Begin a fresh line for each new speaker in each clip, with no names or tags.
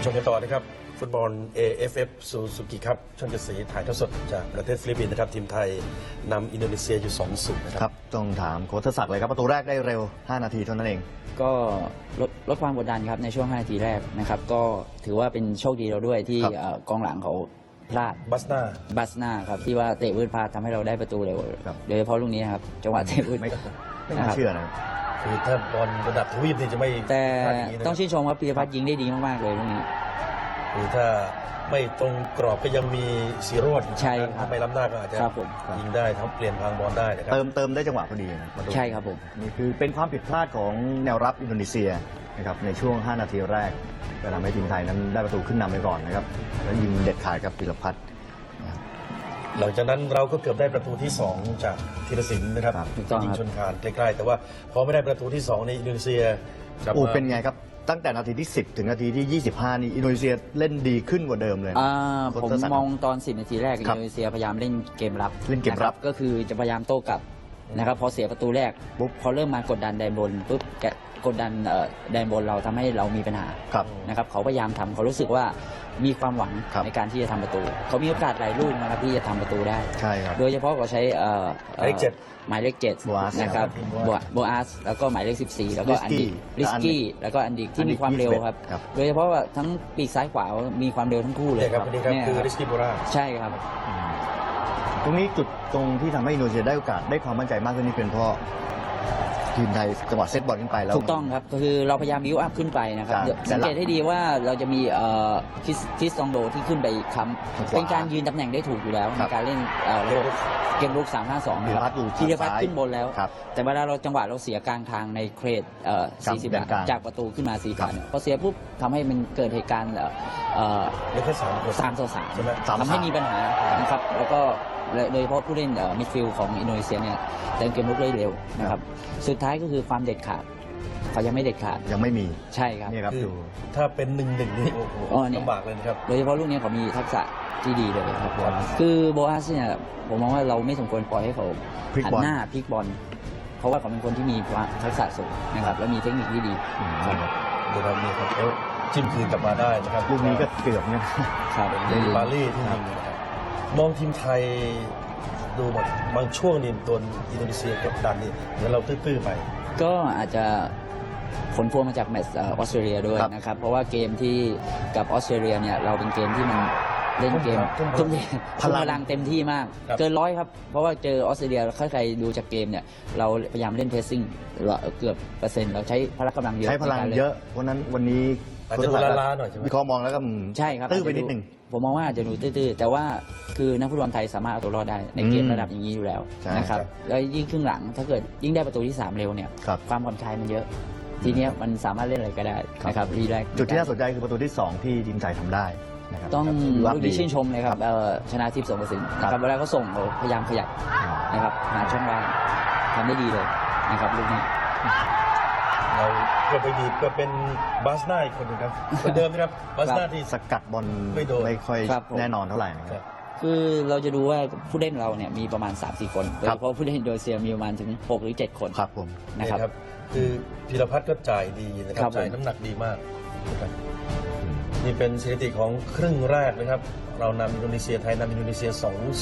มกันต่อนะครับฟุตบอล AFF ซูซูกิครับช่องเจ็ดสีถ่ายทอดสดจากประเทศฟิลิปปินส์นะครับทีมไทยนำอินโดนีเซียอยู่ 2-0 นะค
ค
รั
รับ บต้องถามโค้ชศักดิ์เลยครับประตูแรกได้เร็ว 5 นาทีเท่านั้นเอง
ก็ลดความกดดันครับในช่วง 5 นาทีแรกนะครับก็ถือว่าเป็นโชคดีเราด้วยที่
ครับ
กองหลังเขาพลาด
บัสนา
บัสนาครับที่ว่าเตะวืดพลาดทำให้เราได้ประตูเร็ว
ครับ
โดยเฉพาะลูกนี้นะครับจังหวะเตะวืด
ไม่
นะ
น่า
ครับ
เชื่อนะ
คือถ้าบอลระดับทวีปนี่จะไม่
แต่
พลาดอย่างนี้นะ
ต้องชื่นชมครับปีรพัฒน์ยิงได้ดีมากๆเลยลูกนี้
คือถ้าไม่ตรงกรอบก็ยังมีสีโรด
ใช่ครับ
ถ้าไม่ล้ำหน้าก็อาจจะ
ครับผม
ยิงได้ทั้งเปลี่ยนทางบอลได้นะครับ
เติมได้จังหวะพอดีนะประตู
ใช่ครับผม
นี่คือเป็นความผิดพลาดของแนวรับอินโดนีเซียนะครับในช่วง 5 นาทีแรกก็ทำให้ทีมไทยนั้นได้ประตูขึ้นนำไปก่อนนะครับแล้วยิงเด็ดขาดกับปิรพัฒน์
หลังจากนั้นเราก็เกือบได้ประตูที่ 2 จากธีรศิลป์นะครับ
ครับ
ถูกต้อง
ยิง
ครับ
ชนคานใกล้ๆแต่ว่าพอไม่ได้ประตูที่ 2 ในอินโดนีเซียกลับ
โอ้
มา
เป็นไงครับ ตั้งแต่นาทีที่ 10 ถึงนาทีที่ 25 นี่อินโดนีเซียเล่นดีขึ้นกว่าเดิมเลยนะ
ผม
โค้ชศักดิ์
มองตอน 10 นาทีแรกอิ
ครับ
นโดนีเซียพยายามเล่นเกมรับ
เล่นเกมรับ
ะคก็คือจะพยายามโต้กลับนะครับพอเสียประตูแรกปุ๊บพอเริ่มมากดดันแดนบนปุ๊บกดดันแดนบนเราทำให้เรามีปัญหา
ครับ
นะครับเขาพยายามทำเขารู้สึกว่ามีความหวัง
ครับ
ในการที่จะทำประตู เขามีโอกาสหลายลูกนะครับที่จะทำประตูได้
ใช่ครับ
โดยเฉพาะเขาใช้
หมายเลข
หมายเลข7
Boas
นะครับ
ครับ
โบอาสแล้วก็หมายเลข 14 แล้วก็อันดิ
Rizky
ริสกี้แล้วก็อันดิที่มีความเร็วครับ
ครับ
โดยเฉพาะว่าทั้งปีกซ้ายขวามีความเร็วทั้งคู่เลย
เนี่ยครับคนนี้ครับ
เนี่ย
คือ
ครับ
ริสกี้โบรา
ใช่ครับ
ตรงนี้จุดตรงที่ทำให้อินโดนีเซียได้โอกาสได้ความมั่นใจมากขึ้นนี่เป็นเพราะทีมไทยจังหวะเซตบอลขึ้นไปแล้ว
ถูกต้องครับก็คือเราพยายามบิวอัพขึ้นไปนะครับ
ครับ
เดี๋ยวสังเกตให้ดีว่าเราจะมีคิสซองโดที่ขึ้นไปค้
ทาง
ำ
ขวา
เป็นการยืนตำแหน่งได้ถูกอยู่แล้ว
ครั
ใน
บ
การเล่นระบบเกมรุก3-5-2
ธีรพัฒน์อยู่
ธีรพัฒน์
ซ้าย
ขึ้นบนแล้ว
ครับ
แต่เวลาเราจังหวะเราเสียกลางทางในเครด
ครับ
40
แดนกลาง
จากประตูขึ้นมา4
ครับ
เนี่ยพอเสียปุ๊บทำให้มันเกิดเหตุการณ์
เหลือแค่3 คน
3-3
ใช่ไหม
ทำให้มีปัญหานะครับแล้วก็โดยเฉพาะผู้เล่นมิดฟิลด์ของอินโดนีเซียเนี่ยเล่นเกมรุกได้เร็วนะครับสุดท้ายก็คือความเด็ดขาดเขายังไม่เด็ดขาด
ยังไม่มี
ใช่ครับ
นี่ครับ
คือ
ดู
ถ้าเป็น1-1นี่โอ้โห
อ๋อเนี่ย
ลำบากเลยนะครับ
โดยเฉพาะลูกนี้เขามีทักษะที่ดีเลยครับ
ครับ
คือโบอาสเนี่ยผมมองว่าเราไม่สมควรปล่อยให้เขา
พลิก
หั
บอล
หน้าพลิกบอลเพราะว่าเขาเป็นคนที่มีทักษะสูงนะครับและมีเทคนิคที่ดี
อืม
ครับ
เดี๋ยวเราเนี่ยครับแล้วจิ้มคืนกลับมาได้นะครับ
ลูกนี้ก็เกือบเนี่ย
ครับ
เป็นบาลี่ที่ยิงนะครับมองทีมไทยดูหมดบางช่วงนี่โดนอินโดนีเซียกดดันนี่เหมือนเราตื้อๆไป
ก็อาจจะผลพวงมาจากแมตช์ออสเตรเลียด้วย
ครับ
นะครับเพราะว่าเกมที่กับออสเตรเลียเนี่ยเราเป็นเกมที่มันเล่นเกม
ทุ่ม
ทุ่ม
พลัง
พลังเต็มที่มาก
ครับ
เกินร้อยครับเพราะว่าเจอออสเตรเลียถ้าใครดูจากเกมเนี่ยเราพยายามเล่นเพสซิ่งเกือบเปอร์เซ็นต์เราใช้พละกำลังเยอะ
ใช้พลัง
ในการน
เยอะเพราะฉะนั้นวันนี้
อาจจะดูล้าๆหน่อยใช่ไหม
วิเคราะห์มองแล้วก็
ใช่ครับ
ตื้อไปนิดหนึ่ง
ผมมองว่าอาจจะดูตื้อๆแต่ว่าคือนักฟุตบอลไทยสามารถเอาตัวรอดได้ในเกม
อืม
ระดับอย่างนี้อยู่แล้ว
ใช่
นะครับ
ครับ
แล้วยิ่งครึ่งหลังถ้าเกิดยิ่งได้ประตูที่ 3 เร็วเนี่ย
ครับ
ความผ่อนคลายมันเยอะ ทีเนี้ยมันสามารถเล่นอะไรก็ได้นะครับรีแลกซ์
จุดที่น่าสนใจคือประตูที่ 2 ที่ทีมไทยทำได้นะครับ
ต้อง
รับ
ลูก
ดี
นี้ชื่นชมเลยครับชนะทิพย์สงกระสินนะครับเวลาเขาส่งเขาพยายามขยับนะครับหาช่องว่างทำได้ดีเลยนะครับลูกนี้
เราก็ไปดีก็เป็นบาสนาอีกคนหนึงครับคนเดิมนะครับบาสนาที่
สกัดบอล
ไม่โดน
ไม่ค่อย
ครับผม
แน่นอนเท่าไหร่นะค
ค
รั
รับ บ
คือเราจะดูว่าผู้เล่นเราเนี่ยมีประมาณ 3-4 คนโดย
ครั
เฉ
บ
พาะผู้เล่นอินโดนีเซียมีประมาณถึง6 หรือ 7 คน
ครับผม
นะ
นี่
ครับ
ครับคือพีรพัฒน์ก็จ่ายดีนะค
ครั
รับบ จ่าย
ผม
น้ำหนักดีมากนะครับนี่เป็นสถิติของครึ่งแรกนะครับ เรานำอินโดนีเซียไทยนำอินโดนีเซีย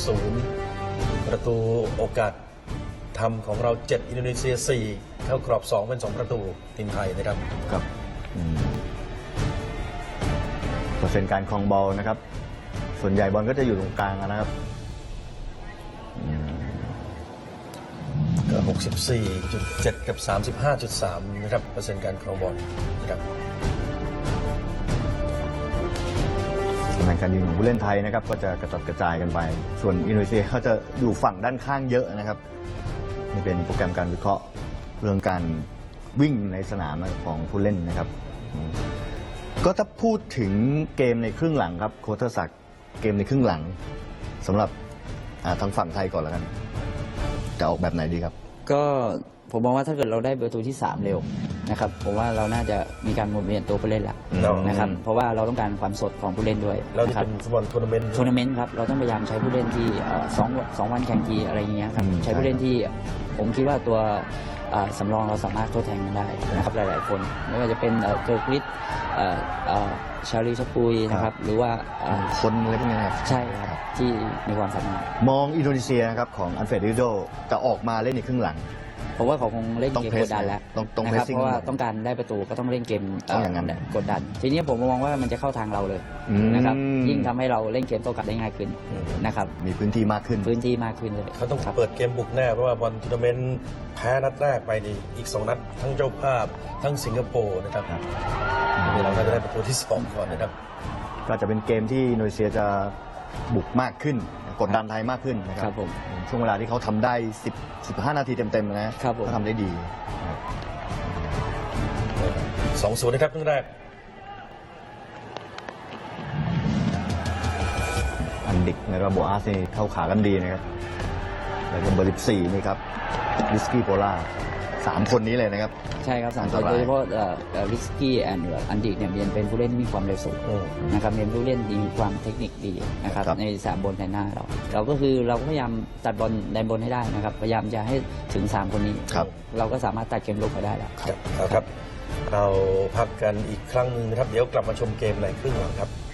2-0 ประตูโอกาสทำของเรา 7 อินโดนีเซีย 4 เข้ากรอบ 2 เป็น 2 ประตูทีมไทยนะครับ
ครับเปอร์เซ็นต์การครองบอลนะครับ ส่วนใหญ่บอลก็จะอยู่ตรงกลางนะครับ
ก็ 64.7 กับ 35.3 นะครับเปอร์เซ็นต์การครองบอลนะครับ
ตำแหน่งการยิงของผู้เล่นไทยนะครับ ก็จะกระจัดกระจายกันไป ส่วนอินโดนีเซียเขาจะอยู่ฝั่งด้านข้างเยอะนะครับนี่เป็นโปรแกรมการวิเคราะห์เรื่องการวิ่งในสนามของผู้เล่นนะครับก็ถ้าพูดถึงเกมในครึ่งหลังครับโค้ชเทอร์ศักดิ์เกมในครึ่งหลังสำหรับทางฝั่งไทยก่อนแล้วกันจะออกแบบไหนดีครับ
ก็ผมมองว่าถ้าเกิดเราได้ประตูที่ 3 เร็วนะครับผมว่าเราน่าจะมีการหมุนเวียนตัวผู้เล่นละ
เรา
นะครับเพราะว่าเราต้องการความสดของผู้เล่นด้วย
เรา
นะ
ที่
ครับ
เป็นฟุตบอลทัวร์นาเมนต์
ทัวร์นาเมนต์ครับเราต้องพยายามใช้ผู้เล่นที่สองวันแข่งทีอะไรอย่างเงี้ยครับ
อืม
ใช้ผู้เล่นที่ผมคิดว่าตัวสำรองเราสามารถโต้แทนกันได้นะครับหลายๆคนไม่ว่าจะเป็นเกิร์กริสชาลีชปุยนะครับหรือว่า
คนอะไรพวกนี้นะครับ
ใช่ครับที่มีความสามารถ
มองอินโดนีเซียนะครับของอันเฟรดริโดจะออกมาเล่นในครึ่งหลัง
เพราะว่าเขาคงเล่น
ต้อง
เกม
press
กดดันแล้ว
ต้อง
นะครับ
pressing
เพราะว่า
ก่อน
ต้องการได้ประตูก็ต้องเล่นเกม
ต้องอย่างนั้น
กดดัน ทีนี้ผมมองว่ามันจะเข้าทางเราเลยนะครับยิ่งทำให้เราเล่นเกมโต้กลับได้ง่ายขึ้นนะครับ
มีพื้นที่มากขึ้น
พื้นที่มากขึ้นเลย
เขาต้อง
ครับ
เปิดเกมบุกแน่ เพราะว่าบอลทัวร์นาเมนต์แพ้นัดแรกไปนี่อีก 2 นัด ทั้งเจ้าภาพ ทั้งสิงคโปร์นะครับเราน่าจะได้ประตูที่ 2 ก่อนนะครับ
ก็จะเป็นเกมที่อินโดนีเซียจะบุกมากขึ้น กดดันไทยมากขึ้นนะค
ค
รั
รับ บผม
ช่วงเวลาที่เขาทำได้15 นาทีเต็มๆนะครับ
ผม
เขาทำได้ดี
2-0 นะครับครึ่งแรก
อันดิกในระบบอาร์เซนี่เข้าขากันดีนะครับแล้วก็เบอร์14นี่ครับวิสกี้โพล่า3 คนนี้เลยนะครับ
ใช่ครับสาม
อัน
ค
ต
น
ราย
โดยเฉพาะริสกี้แอนด์อันดิกเนี่ยเป็นผู้เล่นที่มีความเร็วสูงนะครับเป็นผู้เล่นดีมีความเทคนิคดีนะครับ
ครับ
ในสามบนแทนหน้าเราก็คือเราก็พยายามตัดบอลแดนบนให้ได้นะครับพยายามจะให้ถึง3 คนนี้
ครับ
เราก็สามารถตัดเกมลุกไปได้แล้ว
เอาครับ เราพักกันอีกครั้งหนึงนะครับ เดี๋ยวกลับมาชมเกมในครึ่งหลังครับ